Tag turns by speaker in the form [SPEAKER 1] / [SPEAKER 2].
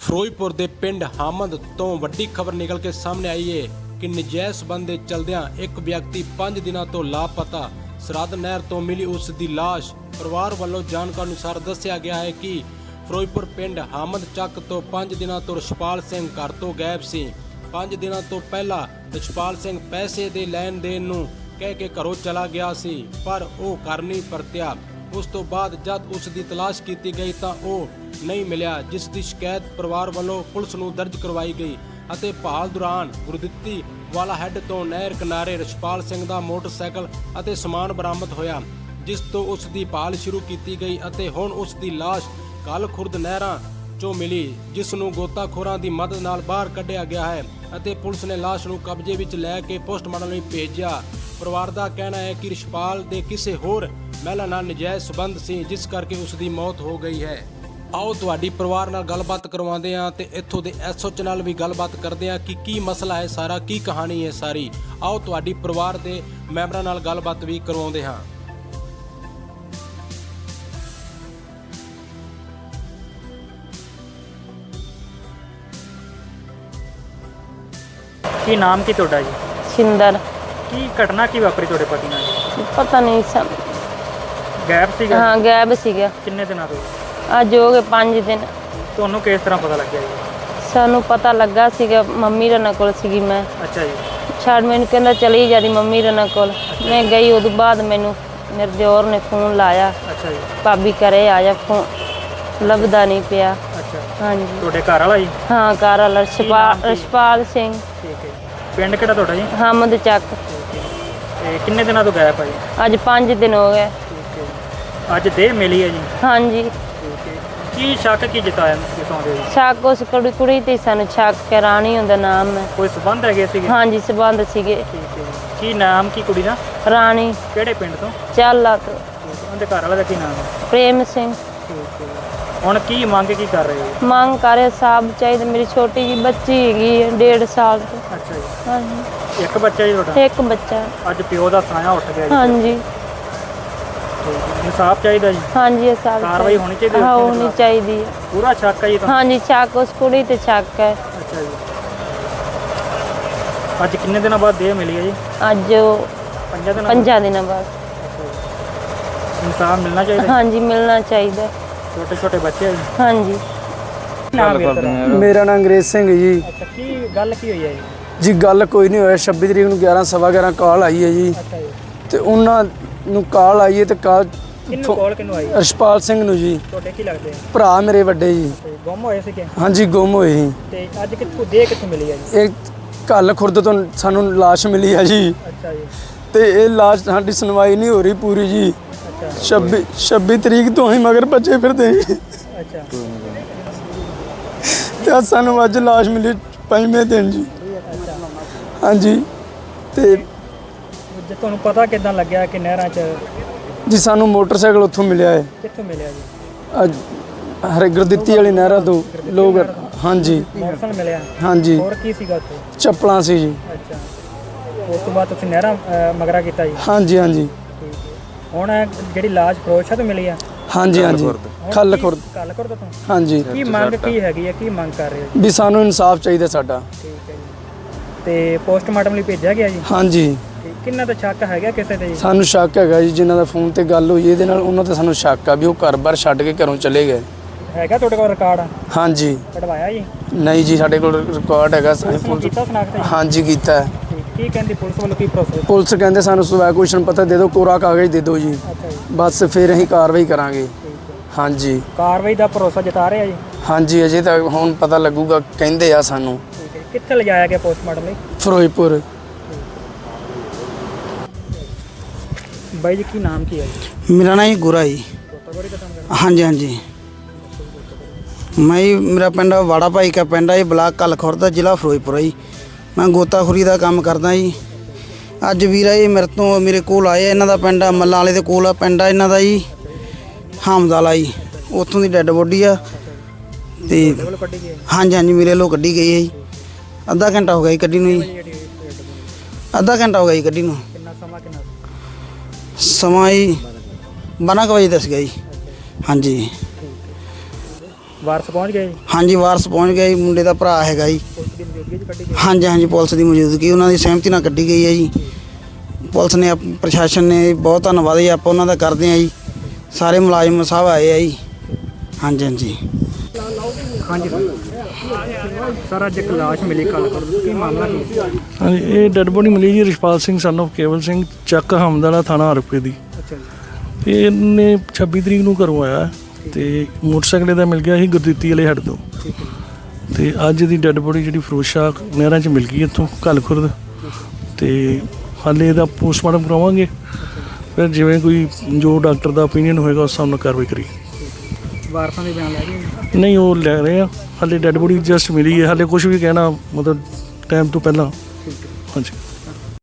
[SPEAKER 1] ਫਿਰੋਜ਼ਪੁਰ ਦੇ ਪਿੰਡ ਹਾਮਦ ਤੋਂ ਵੱਡੀ ਖਬਰ ਨਿਕਲ ਕੇ ਸਾਹਮਣੇ ਆਈ ਹੈ ਕਿ ਨਜਾਇਜ਼ ਸੰਬੰਧ ਦੇ ਚਲਦਿਆਂ ਇੱਕ ਵਿਅਕਤੀ 5 ਦਿਨਾਂ ਤੋਂ ਲਾਪਤਾ ਸਰਹੱਦ ਨਹਿਰ ਤੋਂ ਮਿਲੀ ਉਸ ਦੀ ਲਾਸ਼। ਪਰਿਵਾਰ ਵੱਲੋਂ ਜਾਣਕਾਰੀ ਅਨੁਸਾਰ ਦੱਸਿਆ ਗਿਆ ਹੈ ਕਿ ਫਿਰੋਜ਼ਪੁਰ ਪਿੰਡ ਹਾਮਦ ਚੱਕ ਤੋਂ 5 ਦਿਨਾਂ ਤੋਂ ਰਛਪਾਲ ਸਿੰਘ ਘਰ ਤੋਂ ਗਾਇਬ ਸੀ। 5 ਦਿਨਾਂ ਤੋਂ ਪਹਿਲਾਂ ਰਛਪਾਲ ਸਿੰਘ ਪੈਸੇ ਦੇ ਲੈਣ ਦੇਣ ਨੂੰ ਕਹਿ ਕੇ ਘਰੋਂ ਚਲਾ ਗਿਆ ਸੀ, ਪਰ ਉਹ ਘਰ ਨਹੀਂ ਪਰਤਿਆ। ਉਸ ਤੋਂ ਬਾਅਦ ਜਦ ਉਸ ਦੀ ਤਲਾਸ਼ ਕੀਤੀ ਗਈ ਤਾਂ ਉਹ ਨਹੀਂ ਮਿਲਿਆ, ਜਿਸ ਦੀ ਸ਼ਿਕਾਇਤ ਪਰਿਵਾਰ ਵੱਲੋਂ ਪੁਲਿਸ ਨੂੰ ਦਰਜ ਕਰਵਾਈ ਗਈ ਅਤੇ ਭਾਲ ਦੌਰਾਨ ਗੁਰਦਿੱਤੀ ਵਾਲਾ ਹੈੱਡ ਤੋਂ ਨਹਿਰ ਕਿਨਾਰੇ ਰਛਪਾਲ ਸਿੰਘ ਦਾ ਮੋਟਰਸਾਈਕਲ ਅਤੇ ਸਮਾਨ ਬਰਾਮਦ ਹੋਇਆ, ਜਿਸ ਤੋਂ ਉਸ ਦੀ ਭਾਲ ਸ਼ੁਰੂ ਕੀਤੀ ਗਈ ਅਤੇ ਹੁਣ ਉਸ ਦੀ ਲਾਸ਼ ਕੱਲ ਖੁਰਦ ਨਹਿਰਾਂ ਚੋਂ ਮਿਲੀ, ਜਿਸ ਨੂੰ ਗੋਤਾਖੋਰਾਂ ਦੀ ਮਦਦ ਨਾਲ ਬਾਹਰ ਕੱਢਿਆ ਗਿਆ ਹੈ ਅਤੇ ਪੁਲਿਸ ਨੇ ਲਾਸ਼ ਨੂੰ ਕਬਜ਼ੇ ਵਿੱਚ ਲੈ ਕੇ ਪੋਸਟਮਾਰਟਮ ਲਈ ਭੇਜਿਆ। ਪਰਿਵਾਰ ਦਾ ਕਹਿਣਾ ਹੈ ਕਿ ਰਛਪਾਲ ਦੇ ਕਿਸੇ ਹੋਰ ਮਹਿਲਾ ਨਾਲ ਨਜਾਇਜ਼ ਸਬੰਧ ਸੀ, ਜਿਸ ਕਰਕੇ ਉਸ ਦੀ ਮੌਤ ਹੋ ਗਈ ਹੈ। ਆਓ ਤੁਹਾਡੀ ਪਰਿਵਾਰ ਨਾਲ ਗੱਲਬਾਤ ਕਰਵਾਉਂਦੇ ਹਾਂ ਤੇ ਇੱਥੋਂ ਦੇ ਐਸਓਚ ਨਾਲ ਵੀ ਗੱਲਬਾਤ ਕਰਦੇ ਹਾਂ ਕਿ ਕੀ ਮਸਲਾ ਹੈ ਸਾਰਾ, ਕੀ ਕਹਾਣੀ ਹੈ ਸਾਰੀ। ਆਓ ਤੁਹਾਡੀ ਪਰਿਵਾਰ ਦੇ ਮੈਂਬਰਾਂ ਨਾਲ ਗੱਲਬਾਤ ਵੀ ਕਰਵਾਉਂਦੇ ਹਾਂ।
[SPEAKER 2] ਕੀ ਨਾਮ ਕੀ ਤੁਹਾਡਾ ਜੀ?
[SPEAKER 3] ਸਿੰਦਰ।
[SPEAKER 2] ਕੀ ਘਟਨਾ ਕੀ ਵਾਪਰੀ ਤੁਹਾਡੇ ਪਤੀ ਨਾਲ?
[SPEAKER 3] ਪਤਾ ਨਹੀਂ
[SPEAKER 2] ਗਾਇਬ ਸੀਗਾ?
[SPEAKER 3] ਹਾਂ ਗਾਇਬ ਸੀਗਾ।
[SPEAKER 2] ਕਿੰਨੇ ਦਿਨਾਂ ਤੋਂ?
[SPEAKER 3] ਅੱਜ ਹੋ ਗਏ 5 ਦਿਨ।
[SPEAKER 2] ਤੁਹਾਨੂੰ ਕਿਸ ਤਰ੍ਹਾਂ ਪਤਾ ਲੱਗਿਆ ਜੀ?
[SPEAKER 3] ਸਾਨੂੰ ਪਤਾ ਲੱਗਾ ਸੀਗਾ, ਮੰਮੀ ਰਣਾ ਕੋਲ ਸੀਗੀ ਮੈਂ।
[SPEAKER 2] ਅੱਛਾ ਜੀ।
[SPEAKER 3] ਛੱਡ ਮੈਨੂੰ ਕਹਿੰਦਾ ਚਲੀ ਜਾਂਦੀ ਮੰਮੀ ਰਣਾ ਕੋਲ। ਮੈਂ ਗਈ, ਉਦੋਂ ਬਾਅਦ ਮੈਨੂੰ ਮੇਰੇ ਦਿਓਰ ਨੇ ਫੋਨ ਲਾਇਆ।
[SPEAKER 2] ਅੱਛਾ ਜੀ।
[SPEAKER 3] ਭਾਬੀ ਘਰੇ ਆ ਜਾ, ਫੋਨ ਲੱਭਦਾ ਨਹੀਂ ਪਿਆ।
[SPEAKER 2] ਅੱਛਾ।
[SPEAKER 3] ਹਾਂਜੀ।
[SPEAKER 2] ਤੁਹਾਡੇ ਘਰ ਵਾਲਾ ਜੀ?
[SPEAKER 3] ਹਾਂ ਘਰ ਵਾਲਾ ਰਛਪਾਲ ਸਿੰਘ।
[SPEAKER 2] ਠੀਕ ਹੈ। ਪਿੰਡ ਕਿਹੜਾ ਤੁਹਾਡਾ ਜੀ?
[SPEAKER 3] ਹਾਮਦ ਚੱਕ।
[SPEAKER 2] ਤੇ ਕਿੰਨੇ ਦਿਨਾਂ ਤੋਂ ਗਾਇਬ ਹੈ ਜੀ?
[SPEAKER 3] ਅੱਜ 5 ਦਿਨ ਹੋ ਗਏ।
[SPEAKER 2] ਠੀਕ ਹੈ ਜੀ। ਅੱਜ ਦੇਹ ਮਿਲੀ ਹੈ ਜੀ?
[SPEAKER 3] ਹਾਂਜੀ।
[SPEAKER 2] ਠੀਕ ਹੈ। ਕੀ ਸ਼ੱਕ ਕੀ ਜਤਾਉਂਦੇ ਜੀ?
[SPEAKER 3] ਸ਼ੱਕ ਉਸ ਕੁੜੀ ਤੇ ਸਾਨੂੰ ਸ਼ੱਕ ਰਾਣੀ ਹੁੰਦਾ ਨਾਮ ਹੈ।
[SPEAKER 2] ਕੋਈ ਸਬੰਧ ਹੈਗੇ ਸੀਗੇ?
[SPEAKER 3] ਹਾਂਜੀ ਸਬੰਧ ਸੀਗੇ।
[SPEAKER 2] ਠੀਕ ਹੈ ਜੀ। ਕੀ ਨਾਮ ਕੀ ਕੁੜੀ ਦਾ?
[SPEAKER 3] ਰਾਣੀ।
[SPEAKER 2] ਕਿਹੜੇ ਪਿੰਡ ਤੋਂ?
[SPEAKER 3] ਚਾਲਾ ਤੋਂ।
[SPEAKER 2] ਉਹਦੇ ਘਰ ਵਾਲੇ ਦਾ ਕੀ ਨਾਮ ਹੈ?
[SPEAKER 3] ਪ੍ਰੇਮ ਸਿੰਘ।
[SPEAKER 2] ਠੀਕ ਹੈ। ਹੁਣ ਕੀ ਮੰਗ ਕੀ ਕਰ ਰਹੇ ਹੋ?
[SPEAKER 3] ਮੰਗ ਕਰੇ ਸਾਬ ਚਾਹੀਦਾ। ਮੇਰੀ ਛੋਟੀ ਜੀ ਬੱਚੀ ਹੈਗੀ 1.5 ਸਾਲ ਦੀ।
[SPEAKER 2] ਅੱਛਾ ਜੀ।
[SPEAKER 3] ਹਾਂਜੀ।
[SPEAKER 2] ਇੱਕ ਬੱਚਾ ਜੀ ਤੁਹਾਡਾ?
[SPEAKER 3] ਇੱਕ ਬੱਚਾ।
[SPEAKER 2] ਅੱਜ ਪਿਓ ਦਾ ਸਾਇਆ ਉੱਠ ਗਿਆ ਜੀ।
[SPEAKER 3] ਹਾਂਜੀ।
[SPEAKER 2] ਇਨਸਾਫ ਚਾਹੀਦਾ ਜੀ?
[SPEAKER 3] ਹਾਂਜੀ ਇਹ ਸਾਬ
[SPEAKER 2] ਕਾਰਵਾਈ ਹੋਣੀ ਚਾਹੀਦੀ ਹੈ?
[SPEAKER 3] ਹੋਣੀ ਚਾਹੀਦੀ ਹੈ।
[SPEAKER 2] ਪੂਰਾ ਸ਼ੱਕ ਹੈ ਜੀ?
[SPEAKER 3] ਹਾਂਜੀ ਸ਼ੱਕ ਉਸ ਕੁੜੀ ਤੇ ਸ਼ੱਕ ਹੈ।
[SPEAKER 2] ਅੱਛਾ ਜੀ। ਅੱਜ ਕਿੰਨੇ ਦਿਨਾਂ ਬਾਅਦ ਦੇਹ ਮਿਲੀ ਹੈ ਜੀ?
[SPEAKER 3] ਅੱਜ 5 ਦਿਨਾਂ ਬਾਅਦ।
[SPEAKER 2] ਇਨਸਾਫ ਮਿਲਣਾ ਚਾਹੀਦਾ?
[SPEAKER 3] ਹਾਂਜੀ ਮਿਲਣਾ ਚਾਹੀਦਾ।
[SPEAKER 2] ਛੋਟੇ ਛੋਟੇ ਬੱਚੇ ਹੈ ਜੀ?
[SPEAKER 3] ਹਾਂਜੀ।
[SPEAKER 4] ਮੇਰਾ ਨਾਮ ਅੰਗਰੇਜ਼ ਸਿੰਘ ਜੀ।
[SPEAKER 2] ਅੱਛਾ। ਕੀ ਗੱਲ ਕੀ ਹੋਈ ਹੈ ਜੀ?
[SPEAKER 4] ਜੀ ਗੱਲ ਕੋਈ ਨਹੀਂ ਹੋਇਆ। 26 ਤਰੀਕ ਨੂੰ 11:11 ਕਾਲ ਆਈ ਹੈ ਜੀ।
[SPEAKER 2] ਅੱਛਾ ਜੀ।
[SPEAKER 4] ਤੇ ਉਹਨਾਂ ਨੂੰ ਕਾਲ ਆਈ ਹੈ ਤੇ ਕਾਲ
[SPEAKER 2] ਕਿਹਨੂੰ ਕਾਲ ਕਿਹਨੂੰ ਆਈ?
[SPEAKER 4] ਰਛਪਾਲ ਸਿੰਘ ਨੂੰ ਜੀ।
[SPEAKER 2] ਤੁਹਾਡੇ ਕੀ ਲੱਗਦੇ ਆ?
[SPEAKER 4] ਭਰਾ ਮੇਰੇ ਵੱਡੇ ਜੀ।
[SPEAKER 2] ਤੇ ਗੁੰਮ ਹੋਏ ਸੀਗੇ?
[SPEAKER 4] ਹਾਂਜੀ ਗੁੰਮ ਹੋਏ ਸੀ।
[SPEAKER 2] ਤੇ ਅੱਜ ਕਿੱਥੋਂ ਦੇਹ ਕਿੱਥੋਂ ਮਿਲੀ ਹੈ ਜੀ?
[SPEAKER 4] ਇਹ ਕੱਲ ਖੁਰਦ ਤੋਂ ਸਾਨੂੰ ਲਾਸ਼ ਮਿਲੀ ਹੈ ਜੀ।
[SPEAKER 2] ਅੱਛਾ ਜੀ। ਤੇ
[SPEAKER 4] ਇਹ ਲਾਸ਼ ਸਾਡੀ ਸੁਣਵਾਈ ਨਹੀਂ ਹੋ ਰਹੀ ਪੂਰੀ ਜੀ।
[SPEAKER 2] ਅੱਛਾ।
[SPEAKER 4] 26 ਤਰੀਕ ਤੋਂ ਹੀ ਮਗਰ ਭੱਜੇ ਫਿਰਦੇ ਜੀ।
[SPEAKER 2] ਅੱਛਾ।
[SPEAKER 4] ਤੇ ਸਾਨੂੰ ਅੱਜ ਲਾਸ਼ ਮਿਲੀ 5ਵੇਂ ਦਿਨ ਜੀ।
[SPEAKER 2] ਅੱਛਾ।
[SPEAKER 4] ਹਾਂਜੀ। ਤੇ
[SPEAKER 2] ਜੇ ਤੁਹਾਨੂੰ ਪਤਾ ਕਿੱਦਾਂ ਲੱਗਿਆ ਕਿ ਨਹਿਰਾਂ 'ਚ?
[SPEAKER 4] ਜੀ ਸਾਨੂੰ ਮੋਟਰਸਾਈਕਲ ਉੱਥੋਂ ਮਿਲਿਆ ਹੈ।
[SPEAKER 2] ਕਿੱਥੋਂ ਮਿਲਿਆ ਜੀ?
[SPEAKER 4] ਅੱਜ ਹਰੇ ਗੁਰਦਿੱਤੀ ਵਾਲੀ ਨਹਿਰਾਂ ਤੋਂ ਲੋਕ। ਹਾਂਜੀ।
[SPEAKER 2] ਮੋਟਰਸਾਈਕਲ ਮਿਲਿਆ?
[SPEAKER 4] ਹਾਂਜੀ।
[SPEAKER 2] ਹੋਰ ਕੀ ਸੀਗਾ ਉੱਥੇ?
[SPEAKER 4] ਚੱਪਲਾਂ ਸੀ ਜੀ।
[SPEAKER 2] ਅੱਛਾ। ਉਸ ਤੋਂ ਬਾਅਦ ਤੁਸੀਂ ਨਹਿਰਾਂ ਮਗਰਾ ਕੀਤਾ ਜੀ?
[SPEAKER 4] ਹਾਂਜੀ ਹਾਂਜੀ
[SPEAKER 2] ਠੀਕ ਹੈ। ਹੁਣ ਜਿਹੜੀ ਲਾਸ਼ ਫਿਰੋਜ਼ਸ਼ਾਹ ਤੋਂ ਮਿਲੀ ਆ?
[SPEAKER 4] ਹਾਂਜੀ ਹਾਂਜੀ ਖੱਲ ਖੁਰਦ।
[SPEAKER 2] ਕੱਲ ਖੁਰਦ ਤੋਂ?
[SPEAKER 4] ਹਾਂਜੀ।
[SPEAKER 2] ਕੀ ਮੰਗ ਕੀ ਹੈਗੀ ਹੈ? ਕੀ ਮੰਗ ਕਰ ਰਹੇ ਹੋ?
[SPEAKER 4] ਵੀ ਸਾਨੂੰ ਇਨਸਾਫ ਚਾਹੀਦਾ ਸਾਡਾ।
[SPEAKER 2] ਠੀਕ ਹੈ ਜੀ। ਤੇ ਪੋਸਟਮਾਰਟਮ ਲਈ ਭੇਜਿਆ ਗਿਆ ਜੀ?
[SPEAKER 4] ਹਾਂਜੀ।
[SPEAKER 2] ਤੇ ਕਿੰਨਾ ਦਾ ਸ਼ੱਕ ਹੈਗਾ ਕਿਸੇ ਤੇ ਜੀ?
[SPEAKER 4] ਸਾਨੂੰ ਸ਼ੱਕ ਹੈਗਾ ਜੀ, ਜਿਨ੍ਹਾਂ ਦਾ ਫੋਨ ਤੇ ਗੱਲ ਹੋਈ ਇਹਦੇ ਨਾਲ, ਉਹਨਾਂ ਤੇ ਸਾਨੂੰ ਸ਼ੱਕ ਆ ਵੀ ਉਹ ਘਰ-ਬਾਰ ਛੱਡ ਕੇ ਘਰੋਂ ਚਲੇ ਗਏ।
[SPEAKER 2] ਹੈਗਾ ਤੁਹਾਡੇ ਕੋਲ ਰਿਕਾਰਡ?
[SPEAKER 4] ਹਾਂਜੀ।
[SPEAKER 2] ਕਢਵਾਇਆ ਜੀ?
[SPEAKER 4] ਨਹੀਂ ਜੀ ਸਾਡੇ ਕੋਲ ਰਿਕਾਰਡ ਹੈਗਾ।
[SPEAKER 2] ਕੀਤਾ ਸਨਾਖਤ ਜੀ?
[SPEAKER 4] ਹਾਂਜੀ ਕੀਤਾ ਹੈ।
[SPEAKER 2] ਕੀ ਕਹਿੰਦੀ ਪੁਲਿਸ ਵੱਲੋਂ? ਕੀ ਪ੍ਰੋਸੈਸ?
[SPEAKER 4] ਪੁਲਿਸ ਕਹਿੰਦੇ ਸਾਨੂੰ ਸਵੈ ਕੁਸ਼ਨ ਪਤਾ ਦੇ ਦਿਓ, ਕੋਰਾ ਕਾਗਜ਼ ਦੇ ਦਿਓ ਜੀ,
[SPEAKER 2] ਅੱਛਾ ਜੀ।
[SPEAKER 4] ਬਸ ਫਿਰ ਅਸੀਂ ਕਾਰਵਾਈ ਕਰਾਂਗੇ।
[SPEAKER 2] ਠੀਕ ਹੈ।
[SPEAKER 4] ਹਾਂਜੀ।
[SPEAKER 2] ਕਾਰਵਾਈ ਦਾ ਭਰੋਸਾ ਜਤਾ ਰਹੇ ਆ ਜੀ?
[SPEAKER 4] ਹਾਂਜੀ ਅਜੇ ਤਾਂ ਹੁਣ ਪਤਾ ਲੱਗੂਗਾ, ਕਹਿੰਦੇ ਆ ਸਾਨੂੰ।
[SPEAKER 2] ਠੀਕ ਹੈ। ਕਿੱਥੇ ਲਿਜਾਇਆ ਗਿਆ ਪੋਸਟਮਾਰਟਮ ਲਈ?
[SPEAKER 4] ਫਿਰੋਜ਼ਪੁਰ।
[SPEAKER 2] ਬਾਈ ਜੀ ਕੀ ਨਾਮ ਕੀ ਹੈ ਜੀ?
[SPEAKER 5] ਮੇਰਾ ਨਾਮ ਜੀ ਗੁਰਾ ਜੀ।
[SPEAKER 2] ਗੋਤਾਖੋਰੀ ਦਾ ਕੰਮ ਕਰਦੇ?
[SPEAKER 5] ਹਾਂਜੀ ਹਾਂਜੀ। ਮੇਰਾ ਪਿੰਡ ਵਾੜਾ ਭਾਈ ਕਾ ਪਿੰਡ ਹੈ ਜੀ, ਬਲਾਕ ਕੱਲ ਖੁਰਦ, ਜ਼ਿਲ੍ਹਾ ਫਿਰੋਜ਼ਪੁਰ ਜੀ। ਮੈਂ ਗੋਤਾਖੋਰੀ ਦਾ ਕੰਮ ਕਰਦਾ ਜੀ। ਅੱਜ ਵੀਰਾ ਜੀ ਮੇਰੇ ਕੋਲ ਆਏ। ਇਹਨਾਂ ਦਾ ਪਿੰਡ ਮੱਲਾਂ ਵਾਲੇ ਦੇ ਕੋਲ ਆ ਪਿੰਡ ਆ ਇਹਨਾਂ ਦਾ ਜੀ, ਹਾਮਦ ਵਾਲਾ ਜੀ। ਉੱਥੋਂ ਦੀ ਡੈੱਡ ਬੋਡੀ ਆ। ਤੇ
[SPEAKER 2] ਕੱਢੀ ਗਈ?
[SPEAKER 5] ਹਾਂਜੀ ਹਾਂਜੀ ਮੇਰੇ ਵੱਲੋਂ ਕੱਢੀ ਗਈ ਹੈ ਜੀ। ਅੱਧਾ ਘੰਟਾ ਹੋ ਗਿਆ ਜੀ ਕੱਢੀ ਨੂੰ ਜੀ। ਅੱਧਾ ਘੰਟਾ ਹੋ ਗਿਆ ਜੀ ਕੱਢੀ ਨੂੰ।
[SPEAKER 2] ਕਿੰਨਾ ਸਮਾਂ? ਕਿੰਨਾ
[SPEAKER 5] ਸਮਾਂ ਜੀ 12 ਕੁ ਵਜੇ ਦੱਸ ਗਿਆ ਜੀ। ਹਾਂਜੀ।
[SPEAKER 2] ਵਾਰਸ ਪਹੁੰਚ ਗਏ ਜੀ?
[SPEAKER 5] ਹਾਂਜੀ ਵਾਰਸ ਪਹੁੰਚ ਗਿਆ ਜੀ, ਮੁੰਡੇ ਦਾ ਭਰਾ ਹੈਗਾ ਜੀ।
[SPEAKER 2] ਪੁਲਿਸ ਦੀ ਮੌਜੂਦਗੀ 'ਚ ਕੱਢੀ ਗਈ?
[SPEAKER 5] ਹਾਂਜੀ ਹਾਂਜੀ ਪੁਲਿਸ ਦੀ ਮੌਜੂਦਗੀ ਉਹਨਾਂ ਦੀ ਸਹਿਮਤੀ ਨਾਲ ਕੱਢੀ ਗਈ ਹੈ ਜੀ। ਪੁਲਿਸ ਨੇ ਪ੍ਰਸ਼ਾਸਨ ਨੇ ਬਹੁਤ ਧੰਨਵਾਦ ਜੀ, ਆਪਾਂ ਉਹਨਾਂ ਦਾ ਕਰਦੇ ਹਾਂ ਜੀ। ਸਾਰੇ ਮੁਲਾਜ਼ਮ ਸਾਹਿਬ ਆਏ ਆ ਜੀ। ਹਾਂਜੀ ਹਾਂਜੀ
[SPEAKER 2] ਹਾਂਜੀ ਸਰ ਅੱਜ ਇੱਕ ਲਾਸ਼ ਮਿਲੀ ਕੱਲ੍ਹ ਕੀ ਮਾਮਲਾ ਕੀ?
[SPEAKER 6] ਹਾਂਜੀ ਇਹ ਡੈੱਡ ਬੋਡੀ ਮਿਲੀ ਜੀ ਰਿਸ਼ਪਾਲ ਸਿੰਘ ਸਨ ਆਫ ਕੇਵਲ ਸਿੰਘ ਚੱਕ ਹਮਦਲਾ ਥਾਣਾ ਹਰਪੇ ਦੀ।
[SPEAKER 2] ਅੱਛਾ ਜੀ।
[SPEAKER 6] ਇਹਨੇ 26 ਤਰੀਕ ਨੂੰ ਘਰੋਂ ਆਇਆ ਤੇ ਮੋਟਰਸਾਈਕਲ ਦਾ ਮਿਲ ਗਿਆ ਸੀ ਗੁਰਦਿੱਤੀ ਵਾਲੇ ਹੱਡ ਤੋਂ। ਤੇ ਅੱਜ ਦੀ ਡੈੱਡ ਬੋਡੀ ਜਿਹੜੀ ਫਿਰੋਜ਼ਸ਼ਾਹ ਨਹਿਰਾਂ 'ਚ ਮਿਲ ਗਈ ਇੱਥੋਂ ਘੱਲ ਖੁਰਦ। ਤੇ ਹਾਲੇ ਇਹਦਾ ਪੋਸਟਮਾਰਟਮ ਕਰਾਵਾਂਗੇ, ਫਿਰ ਜਿਵੇਂ ਕੋਈ ਜੋ ਡਾਕਟਰ ਦਾ ਓਪੀਨੀਅਨ ਹੋਏਗਾ ਉਸ ਹਿਸਾਬ ਨਾਲ ਕਾਰਵਾਈ ਕਰੀ।
[SPEAKER 2] ਵਾਰਸਾਂ ਦੇ ਬਿਆਨ ਲੈ ਗਏ?
[SPEAKER 6] ਨਹੀਂ ਉਹ ਲੈ ਰਹੇ ਆ, ਹਾਲੇ ਡੈੱਡ ਬੋਡੀ ਜਸਟ ਮਿਲੀ ਹੈ, ਹਾਲੇ ਕੁਝ ਵੀ ਕਹਿਣਾ ਮਤਲਬ ਟਾਈਮ ਤੋਂ ਪਹਿਲਾਂ। ਹਾਂਜੀ।